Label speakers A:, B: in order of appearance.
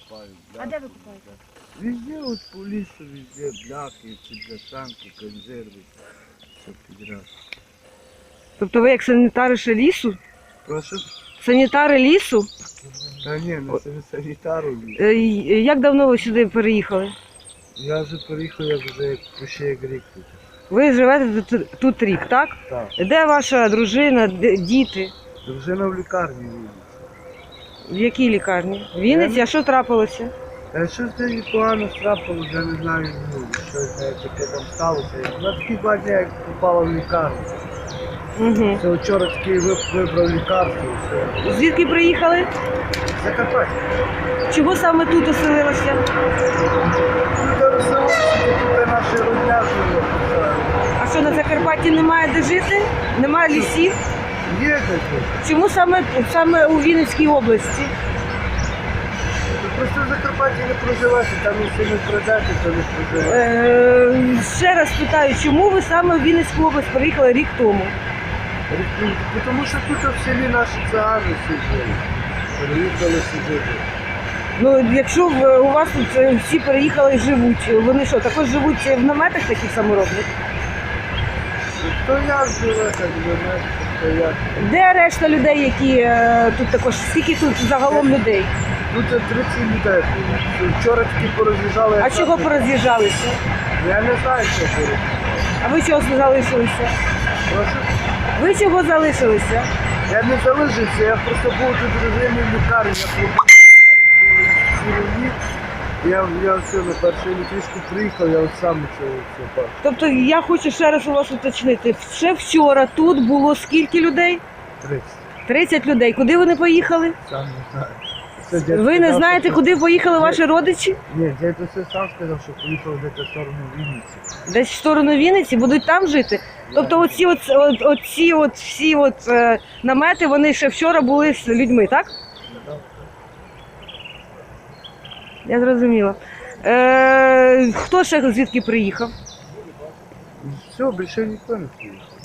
A: купаю.
B: А де ви купаєте?
A: Везде от по лісу, везде бляхи, бляшанки, консерви, все підряд.
C: Тобто ви як санітари ще лісу?
A: Прошу?
C: Санітари лісу?
A: Та ні, не санітару.
C: Як давно ви сюди переїхали?
A: Я вже приїхав, я вже ще як рік тут.
C: Ви живете тут рік, так?
A: Так.
C: Де ваша дружина, діти?
A: Дружина в лікарні Вінниці.
C: В якій лікарні? В Вінниці? А що трапилося?
A: Щось тоді погано трапило, я не знаю, щось таке там сталося. На такі 2 дні, як попала в лікарню.
C: Угу.
A: Це вчора такий вибрав лікарство і все.
C: Звідки приїхали?
A: Закарпаття.
C: Чого саме тут оселилися?
A: Тут розселилися, тут наші родня живе.
C: А що, на Закарпатті немає де жити? Немає лісів?
A: Є таке.
C: Чому саме у Вінницькій області?
A: Просто в Закарпатті не проживати, там якщо не пройдете, то не проживати.
C: Ще раз питаю, чому ви саме в Вінницьку область приїхали рік тому?
A: Тому що тут в селі наші цигани всі жили. Переїхали сюди.
C: Ну, якщо у вас тут всі переїхали і живуть, вони що, також живуть в наметах таких саморобних?
A: То як живе, так би, то як.
C: Де решта людей, які тут також, скільки тут загалом людей?
A: Тут 30 людей. Вчора тільки пороз'їжджали.
C: А чого пороз'їжджалися?
A: Я не знаю, що пороз'їжджали.
C: А ви чого залишилися?
A: Прошу?
C: Ви чого залишилися?
A: Я не залишився, я просто був тут дружині в лікарні, я пробув цілий рік. Я все на першу електричку приїхав, я от сам це бачу.
C: Тобто я хочу ще раз у вас уточнити. Ще вчора тут було скільки людей?
A: 30.
C: 30 людей. Куди вони поїхали?
A: Сам не знаю. Це дядько
C: Ви не
A: сказав,
C: знаєте,
A: що-
C: куди поїхали ваші родичі?
A: Ні, дядько все сам сказав, що поїхав десь в сторону Вінниці.
C: Десь в сторону Вінниці, будуть там жити. Тобто всі намети, вони ще вчора були з людьми, так? Я зрозуміла. Хто ще звідки приїхав?
A: Все, більше ніхто не приїхав.